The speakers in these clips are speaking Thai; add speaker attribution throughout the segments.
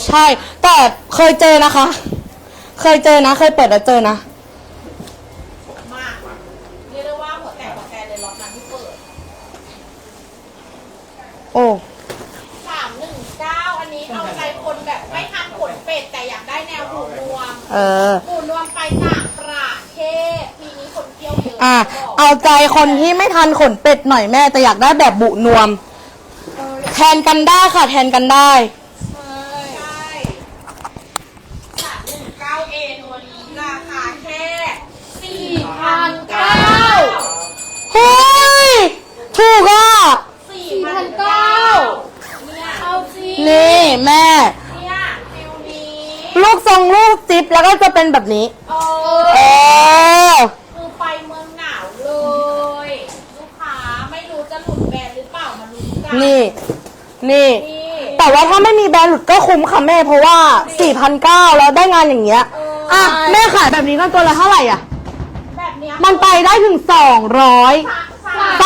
Speaker 1: ใช่แต่เคยเจอนะคะ เคยเจอนะเคยเปิดแล้วเจอนะ
Speaker 2: มากเรียกได้ว่าหัวแตกเลยล็อตนั้นที่เปิด
Speaker 1: โอ้
Speaker 2: 319อันนี้เอาใจคนแบบไม่ทานขนเป็ดแต่อยากได้แนวหูนวมหูนวมไปต่างประเทศปีนี้คนเที่ยวเยอะ
Speaker 1: เอาใจคนที่ไม่ทันขนเป็ดหน่อยแม่แต่อยากได้แบบบุนวมแทนกันได้ค่ะแทนกันได้
Speaker 2: ใช่319A ตัวนี้ราคาแค่4,900
Speaker 1: เฮ้ยถูกอ่ะ
Speaker 2: 4,900เนี่ยเอาสิ
Speaker 1: นี่แม่
Speaker 2: เนี่ยฟิวนี้
Speaker 1: ลูกทรงลูกจิ๊บแล้วก็จะเป็นแบบนี้
Speaker 2: คือไปเมืองหนาวเลยลูกค้าไม่รู้จะหลุดแบรนด์หรือเปล่ามาลุ้นกัน
Speaker 1: นี่แต่ว่าถ้าไม่มีแบรนด์หลุดก็คุ้มค่ะแม่เพราะว่า 4,900 แล้วได้งานอย่างเงี้ยแม่ขายแบบนี้กันตัวละเท่าไหร่อ่ะ
Speaker 2: แบบเนี้ย
Speaker 1: มันไปได้ถึง200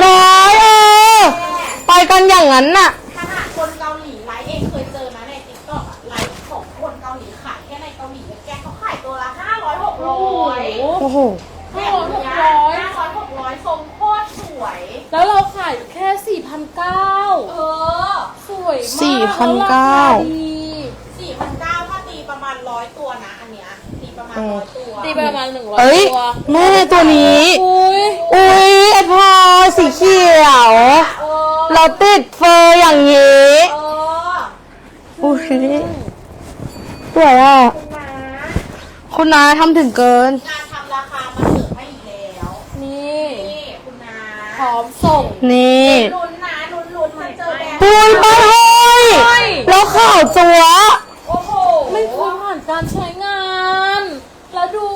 Speaker 1: 300ไปกันอย่างนั้นน่ะ
Speaker 2: ขนาดคนเกาหลีไลฟ์เองเคยเจอนะในติ๊กต็อกไลฟ์ของคนเกาหลีขายแค่ในเกาหลีแกเขาขายตัวละ500-600
Speaker 1: โอ้โห
Speaker 2: แบบนี้500-600ทรงโคตรสวย
Speaker 3: แล้วเราขายแค่4,900สวยมาก
Speaker 2: 4,900ถ้าตีประมาณ100ตัวนะอันเนี้ยตีประมาณ100ตัว
Speaker 3: ตีประมาณ100ตัว
Speaker 1: แม่ตัวนี้อุ้ยไอพอสีเขียวเราติดเฟอร์อย่างนี้อุ้ยสวยอ่ะคุณน้าทำถึงเกิน
Speaker 2: งานทำราคามาเสิร์ฟให้อีกแล้ว
Speaker 3: นี่
Speaker 2: คุณน้า
Speaker 3: พร้อมส่ง
Speaker 1: นี่
Speaker 2: ลุ้นนะลุ้นมาเจอแดง
Speaker 1: ปุ้ยไปเฮ้ยแล้วข่าวจัว
Speaker 2: โอ้โห
Speaker 3: ไม่คุ้มผ่านการใช้งานแล้วดู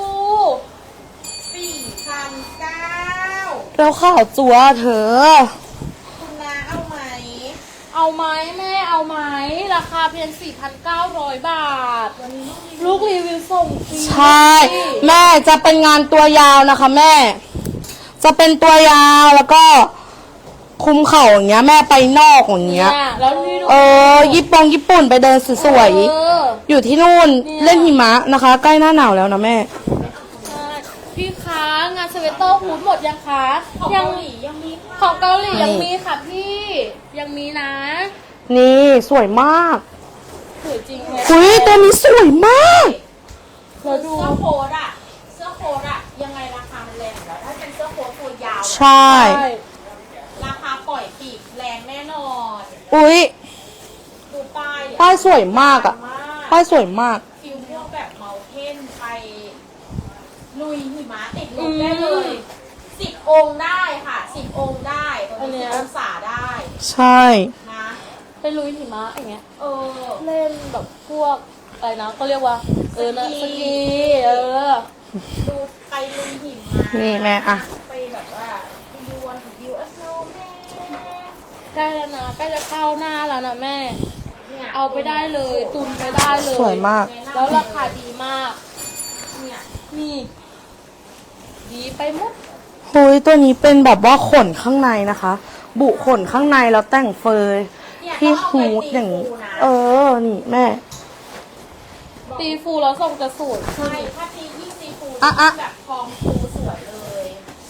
Speaker 2: 4,900
Speaker 1: แล้วข่าวจัวเธอ
Speaker 2: คุณน้าเอาไหม
Speaker 3: แม่เอาไหมราคาเพียง 4,900 บาทลูกรีวิวส่งฟรี
Speaker 1: ใช่แม่จะเป็นงานตัวยาวนะคะแม่จะเป็นตัวยาวแล้วก็คุมเข่าอย่างเงี้ยแม่ไปนอกอย่างเงี้ย
Speaker 3: แล้ว
Speaker 1: ญี่ปุ่นไปเดินสวยๆอยู่ที่นู่นเล่นหิมะนะคะใกล้หน้าหนาวแล้วนะแม่
Speaker 3: พี่คะงานสเวตเตอร์ฮูดหมดยังคะ
Speaker 2: ของเกาหลียังมี
Speaker 3: ของเกาหลียังมีค่ะพี่ยังมีนะ
Speaker 1: นี่สวยมาก
Speaker 3: สวยจริงเลย
Speaker 1: อุ้ยตัวนี้สวยมาก
Speaker 2: เราดูเสื้อโค้ดอะยังไงราคามันแรงแล้วถ้าเป็นเสื้อโค้ดตัวยาว
Speaker 1: ใช่
Speaker 2: ราคาปล่อยปีกแรงแน่นอน
Speaker 1: อุ้ย
Speaker 2: ดู
Speaker 1: ป้ายสวยมากอ่ะป้ายสวยมาก
Speaker 2: ฟิลพวกแบบเมาเทนไปลุยหิมะติดลมได้เลย10 องค์ได้ค่ะ10 องค์ได้ตัวนี้10 องศาได้
Speaker 1: ใช่
Speaker 2: นะ
Speaker 3: ไปลุยหิมะอย่างเงี้ยเล่นแบบพวกอะไรนะก็เรียกว่านะสกี
Speaker 2: ดูไปลุยหิมะ
Speaker 1: นี่แม่อะ
Speaker 2: ไปแบบว่าดูวันวิวอัสโนแม่
Speaker 3: ใกล้แล้วนะใกล้จะเข้าหน้าแล้วนะแม่เอาไปได้เลยตุนไปได้เลย
Speaker 1: สวยมาก
Speaker 3: แล้วราคาดีมากเนี่ยนี่ดีไปหมด
Speaker 1: เฮ้ยตัวนี้เป็นแบบว่าขนข้างในนะคะบุขนข้างในแล้วแต่งเฟอร์ที่ฮูดอย่างนี้นี่แม่
Speaker 3: ตีฟูแล้วทรงจะสวย
Speaker 2: ใช่ถ้าตียิ่งตีฟูแบบฟองฟูสวยเลย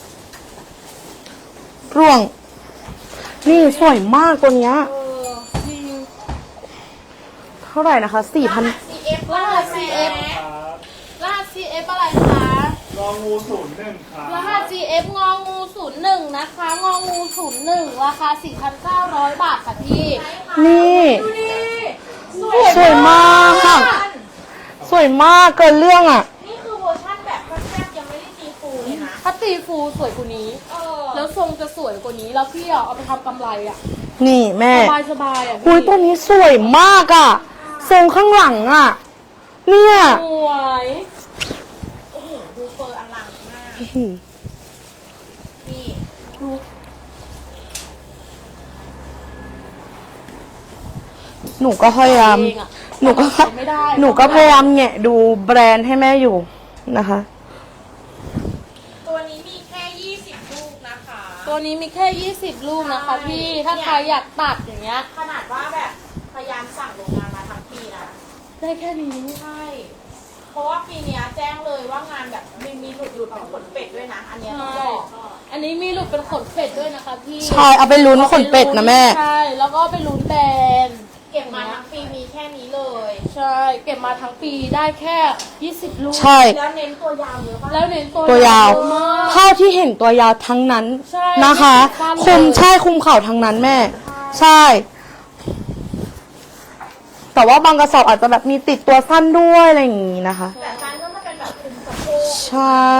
Speaker 1: ร่วงนี่สวยมากตัวเนี้ยเท่าไหร่นะคะ4,000
Speaker 3: รหัส CF อะไรคะ
Speaker 4: งองู01ครับ
Speaker 3: รหัส CF งองู01นะคะงองู01ราคา 4,900 บาทค่ะพี่
Speaker 1: นี่
Speaker 2: ดูดิ
Speaker 1: สวยมากค่ะสวยมากเกินเรื่องอ่ะ
Speaker 2: นี่คือเวอร์ชันแบบแทบยังไม่ได้ตีฟูเลยนะ
Speaker 3: ถ้าตีฟูสวยกว่านี้แล้วทรงจะสวยกว่านี้แล้วพี่เอาไปทำกำไรอ่ะ
Speaker 1: นี่แม่
Speaker 3: สบายอ่ะ
Speaker 1: คุยตัวนี้สวยมากอ่ะทรงข้างหลังอ่ะเนี่ย
Speaker 3: สวย
Speaker 2: โอ้โหดูเฟอร์อลังมากนี่
Speaker 3: ดู
Speaker 1: หนูก็พยายามหนูก็พยายามแงะดูแบรนด์ให้แม่อยู่นะคะ
Speaker 2: ตัวนี้มีแค่20 ลูกนะคะ
Speaker 3: ตัวนี้มีแค่20 ลูกนะคะพี่ถ้าใครอยากตัดอย่างเงี้ย
Speaker 2: ขนาดว่าแบบพยายามสั่งโรงงานมาทำปีนะ
Speaker 3: ได้แค่นี้
Speaker 2: ใช่ เพราะว่าปีเนี้ยแจ้งเลยว่างานแบบมีหลุดเป็นขนเป็ดด้วยนะ อันเนี้ยต้องบอก
Speaker 3: อันนี้มีหลุดเป็นขนเป็ดด้วยนะคะพี่
Speaker 1: ใช่เอาไปลุ้นขนเป็ดนะแม่
Speaker 3: ใช่แล้วก็ไปลุ้นแบรนด์
Speaker 2: เก็บมาทั้งปีมีแค่นี้เลย
Speaker 3: ใช่เก็บมาทั้งปีได้แค่20ลูก
Speaker 1: ใช่
Speaker 2: แล้วเน้นตัวยาวเยอะป่ะ
Speaker 3: แล้วเน้น
Speaker 1: ตัวยาว
Speaker 3: มาก
Speaker 1: เท่าที่เห็นตัวยาวทั้งนั้น
Speaker 3: ใช่
Speaker 1: นะคะ
Speaker 3: ไม่ติดฟันเลย
Speaker 1: คุมเข่าทั้งนั้นแม่ ใช่ แต่ว่าบางกระสอบอาจจะแบบมีติดตัวสั้นด้วยอะไรอย่างงี้นะคะ
Speaker 2: แต่ซันก็จะเป็นแบบคุมสะโพก
Speaker 1: ใช่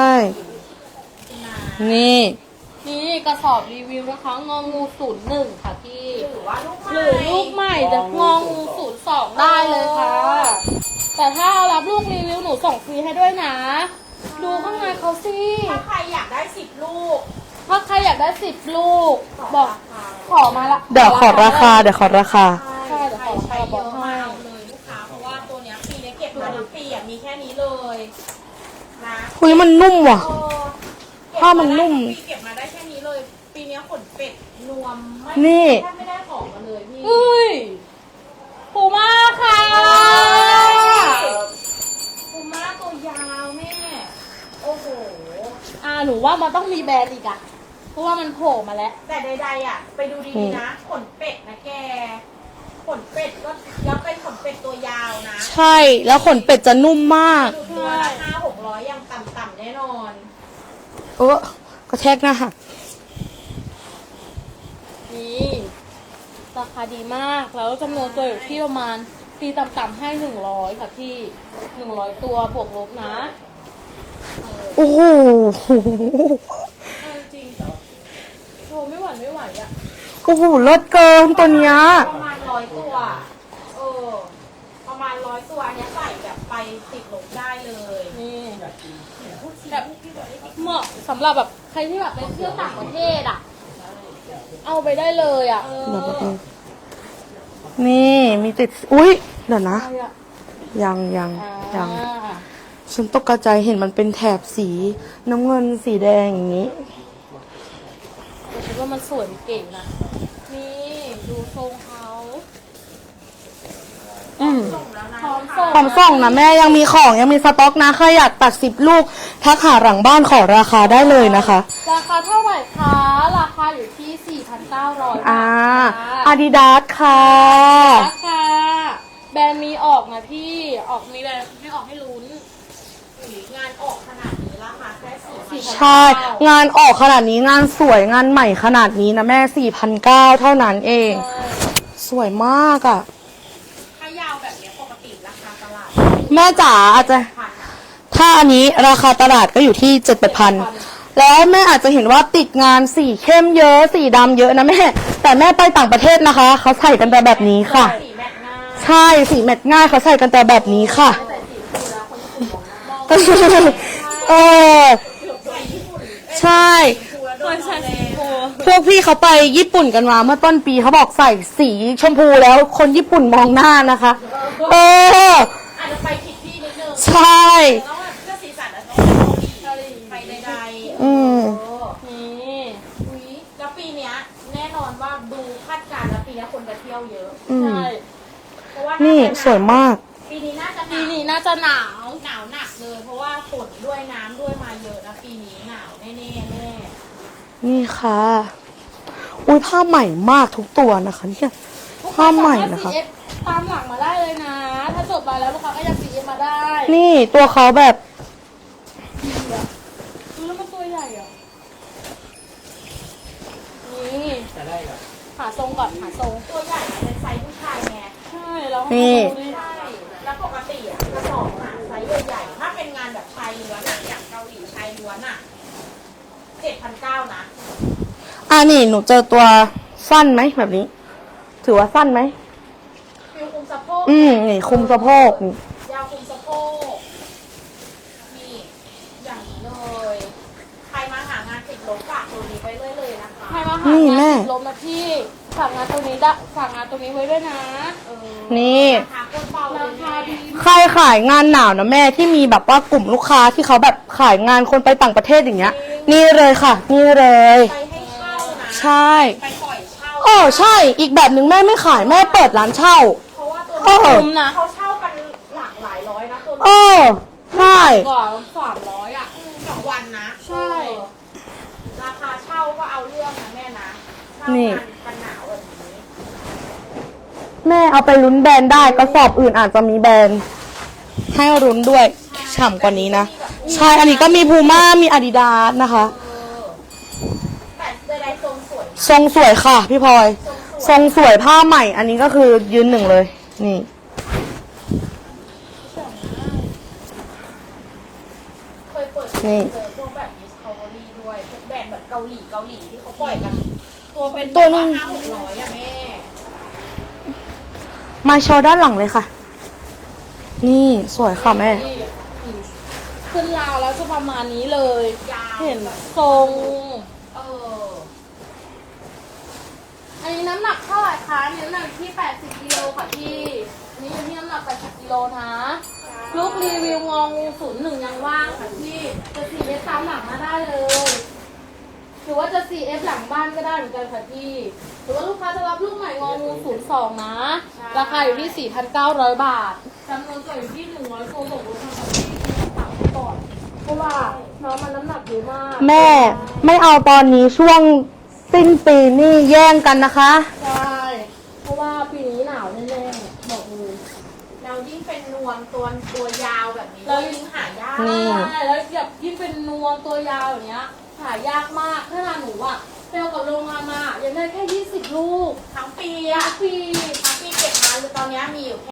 Speaker 1: นี่
Speaker 3: นี่กระสอบรีวิวนะคะงองู01ค่ะพี่
Speaker 2: หรือว่าลูก
Speaker 3: หรือลูกใหม่จะงองู02ได้เลยค่ะ แต่ถ้าเอารับลูกรีวิวหนูส่งฟรีให้ด้วยนะ ดูข้างในเขาสิ
Speaker 2: ถ้าใครอยากได้10 ลูก
Speaker 3: ถ้าใครอยากได้10ลูก บอกขอมาละ
Speaker 1: เดี๋ยวขอราคา เดี๋ยวขอราคา
Speaker 3: ใช่เดี๋ยวขอรา
Speaker 2: ใคร
Speaker 3: คา
Speaker 2: เย
Speaker 3: บอก
Speaker 2: อะ
Speaker 3: ให้
Speaker 2: มาเอาเลยลูกค้า เพราะว่าตัวเนี้ยปีนี้เก็บมาทั้งปีอ่ะมีแค่นี้เลยนะ
Speaker 1: คุยมันนุ่มว่ะ
Speaker 2: เออ
Speaker 1: ผ้ามันนุ่ม
Speaker 2: ปีเก็บมาได้แค่นี้เลย ปีนี้ขนเป็ดนวมไม่
Speaker 1: นี่
Speaker 2: แทบไม่ได้ของมาเลยพี่
Speaker 3: เฮ้ยปูมาค่ะ
Speaker 2: คุม่าตัวยาวแม่ โอ้โห
Speaker 3: หนูว่ามันต้องมีแบรนด์อีกอะเพราะว่ามันโผล่มาแล้ว
Speaker 2: แต่ใดๆอ่ะ ไปดูดีๆนะ ขนเป็ดนะแก ขนเป็ดก็แล้วเป็นขนเป็ดตัวยาวนะ
Speaker 1: ใช่ แล้วขนเป็ดจะนุ่มมาก
Speaker 2: ดูตัวละ500-600ยังต่ำๆแน่นอน
Speaker 1: กระแทกหน้าหัก
Speaker 3: นี่ราคาดีมากแล้วจำนวนตัวอยู่ที่ประมาณตีต่ำๆให้100ค่ะพี่100ตัวบวกลบนะ
Speaker 1: โอ้โห
Speaker 3: จริงโธไม่หวั่นไม่ไหวอะ
Speaker 1: โอ้โหเลิศเกินตัวเนี้ย
Speaker 2: ประมาณ100 ตัว เออ ประมาณ100 ตัวอันเนี้ยใส่แบบไปติดลบได้เลย
Speaker 3: นี่แบบเหมาะสำหรับแบบใครที่แบบไปเที่ยวต่างประเทศอะเอาไปได้เลยอะ
Speaker 1: นี่มีติด อุ๊ย เดี๋ยวนะ
Speaker 3: อะไรอะ
Speaker 1: ยัง
Speaker 3: อ่า
Speaker 1: ฉันตกใจเห็นมันเป็นแถบสีน้ำเงินสีแดงอย่างนี้
Speaker 3: แต่คิดว่ามันสวยมันเก่งนะนี่ดูทรงเขา
Speaker 1: อืม
Speaker 3: พร้อมส่ง
Speaker 1: พร้อมส่งนะแม่ยังมีของยังมีสต็อกนะใครอยากตัด10 ลูก ทักหาหลังบ้านขอราคาได้เลยนะคะ
Speaker 3: ราคาเท่าไหร่คะ ราคาอยู่ที่ 4,900 บาทค่ะ
Speaker 1: อาดิดาสค่ะ
Speaker 3: ราคาแบรนด์มีออกนะพี่ ออกมีแบรนด์ให้ออกให้ลุ้น
Speaker 2: งานออกขนาดนี้ราคาแค่4,000
Speaker 1: ใช่ งานออกขนาดนี้งานสวยงานใหม่ขนาดนี้นะแม่ 4,900 เท่านั้นเอง สวยมากอ่ะ
Speaker 2: ถ้ายาวแบบเนี้ยปกติราคาตลาด
Speaker 1: แม่จ๋าอาจจะ
Speaker 2: พัน
Speaker 1: ถ้าอันนี้ราคาตลาดก็อยู่ที่7,000 แล้วแม่อาจจะเห็นว่าติดงานสีเข้มเยอะสีดำเยอะนะแม่ แต่แม่ไปต่างประเทศนะคะ เขาใส่กันแต่แบบนี้ค่ะ
Speaker 2: สีแมทหน้า
Speaker 1: ใช่สีแมทง่ายเขาใส่กันแต่แบบนี้ค่ะ เออใช่
Speaker 3: คนใช้สีโพ
Speaker 1: พวกพี่เขาไปญี่ปุ่นกันมาเมื่อต้นปีเขาบอกใส่สีชมพูแล้วคนญี่ปุ่นมองหน้านะคะ เออ
Speaker 2: อาจจะไปผิดที่นิดนึง
Speaker 1: ใช่
Speaker 2: แล้วแบบเพื่อสีสันอะต้องไปเกาหลีไปใดๆ
Speaker 1: อืม
Speaker 3: นี่
Speaker 2: อุ๊ยแล้วปีเนี้ยแน่นอนว่าดูคาดการณ์แล้วปีเนี้ยคนไปเที่ยวเยอะ
Speaker 1: อืม
Speaker 3: ใช่
Speaker 2: เพราะว่า
Speaker 1: นี่
Speaker 2: นี่
Speaker 1: สวยมาก
Speaker 2: ปีนี้น่าจะห
Speaker 3: ปี
Speaker 2: นาว
Speaker 3: นี้น่าจะหนาว
Speaker 2: หนาวหนักเลย เพราะว่าฝนด้วยน้ำด้วยมาเยอะนะปีนี้หนาวแน่ๆแน่
Speaker 1: นี่ค่ะ อุ้ยผ้าใหม่มากทุกตัวนะคะเนี่ยผ้าใหม่นะคะ
Speaker 3: ลูกาสามารถ CF ตามหลังมาได้เลยนะ ถ้าจบมาแล้วลูกค้าก็ยัง CF มาได้
Speaker 1: นี่ตัวเขาแบบ
Speaker 3: ดูแล้วมันตัวใหญ่อ่ะ นี่หาทรงก่อนหาทรง
Speaker 2: ตัวใหญ่เป็นไซส์ผู้ชายไง
Speaker 3: ใช่แล้ว
Speaker 1: นี่
Speaker 3: ดูดิ
Speaker 2: ใช่ แล้วปกติอ่ะกระสอบอ่ะไซส์ใหญ่ๆ ถ้าเป็นงานแบบชายล้วนอะอย่างเกาหลีชายล้วนอ่ะ7,900นะ
Speaker 1: นี่หนูเจอตัวสั้นไหมแบบนี้ ถือว่าสั้นไหม
Speaker 2: ฟิลคุมสะโพก
Speaker 1: นี่คุมสะโพกนี่
Speaker 2: ยาวคุมสะโพกนี่อย่างนี้เลย ใครมาหางานติดลบฝากตัวนี้ไปเรื่อยเลยนะคะ
Speaker 3: ใครมาหางานติดลมนะพี่ฝากงานตรงนี้ได้ฝากงานตรงนี้ไว้ด้วยนะ
Speaker 1: นี่
Speaker 2: ราคาโคตรเบาเล
Speaker 3: ราย คาดี
Speaker 1: ใครขายงานหนาวนะแม่ที่มีแบบว่ากลุ่มลูกค้าที่เขาแบบขายงานคนไปต่างประเทศอย่างเงี้ย นี่เลยค่ะ นี่เลย
Speaker 2: ไปให้เช่านะ
Speaker 1: ใช่
Speaker 2: ไปปล่อยเช่า
Speaker 1: ใช่ อีกแบบหนึ่งแม่ไม่ขายแม่เปิดร้านเช่า
Speaker 2: เพราะว่าตัว
Speaker 3: คุ้มนะ
Speaker 2: เขาเช่ากันหลากหลายร้อยนะตัว
Speaker 1: เออใช่
Speaker 3: กว่า300อ่ะ
Speaker 2: 2 วันนะ
Speaker 3: ใช่
Speaker 2: ราคาเช่าก็เอาเรื่องนะแม่นะเช่ากันหนาวแบบนี้
Speaker 1: แม่เอาไปลุ้นแบรนด์ได้กระสอบอื่นอาจจะมีแบรนด์ให้ลุ้นด้วยฉ่ำกว่านี้นะ ใช่ อันนี้ก็มีพูม่ามีอาดิดาสนะคะ
Speaker 2: แต่ใดๆทรงสวยนะ
Speaker 1: ทรงสวยค่ะพี่พลอย ทรงสวยผ้าใหม่ อันนี้ก็คือยืนหนึ่งเลย นี่
Speaker 2: เคยเปิด
Speaker 1: นี่
Speaker 2: เจอพวกแบบ Discovery ด้วยพวกแบรนด์แบบเกาหลีที่เขาปล่อยกัน ตัวเป็น
Speaker 1: ตัวนึง
Speaker 2: 500-600อะแม่
Speaker 1: มาโชว์ด้านหลังเลยค่ะ นี่สวยค่ะแม่
Speaker 3: ขึ้นราวแล้วจะประมาณนี้เลย
Speaker 2: ยาว
Speaker 3: เห็นทรง
Speaker 2: เออ
Speaker 3: อันนี้น้ำหนักเท่าไหร่คะอันนี้น้ำหนักที่80กิโลค่ะพี่อันนี้อยู่ที่น้ำหนัก80กิโลนะลูกรีวิวงองู01ยังว่างค่ะพี่จะ 4F ตามหลังมาได้เลยหรือว่าจะ 4F หลังบ้านก็ได้เหมือนกันค่ะพี่หรือว่าลูกค้าจะรับลูกใหม่งองู02นะราคาอยู่ที่ 4,900 บาทจำนวนตัวอยู่ที่100ตัวส่งรถทางค่ะพี่ฝากไว้ก่อนเพราะว่าน้องมันน้ำหนักเยอะมาก
Speaker 1: แม่ไม่เอาตอนนี้ช่วงสิ้นปีนี่แย่งกันนะคะ
Speaker 3: ใช่ เพราะว่าปีนี้หนาวแน่ๆบอกเลย
Speaker 2: เรายิ่งเป็นนวมตัวยาวแบบนี้
Speaker 3: เรา
Speaker 2: ยิ่งหายาก
Speaker 1: นี่
Speaker 3: ใช่แล้วแบบยิ่งเป็นนวมตัวยาวอย่างเงี้ย หายากมากขนาดหนูอะเซลกับโรงงานมายังได้แค่20 ลูก
Speaker 2: ทั้งปี
Speaker 3: ทั้
Speaker 2: อะ
Speaker 3: งปี
Speaker 2: ทั้งปีเก็บมาหรือตอนนี้มีอยู่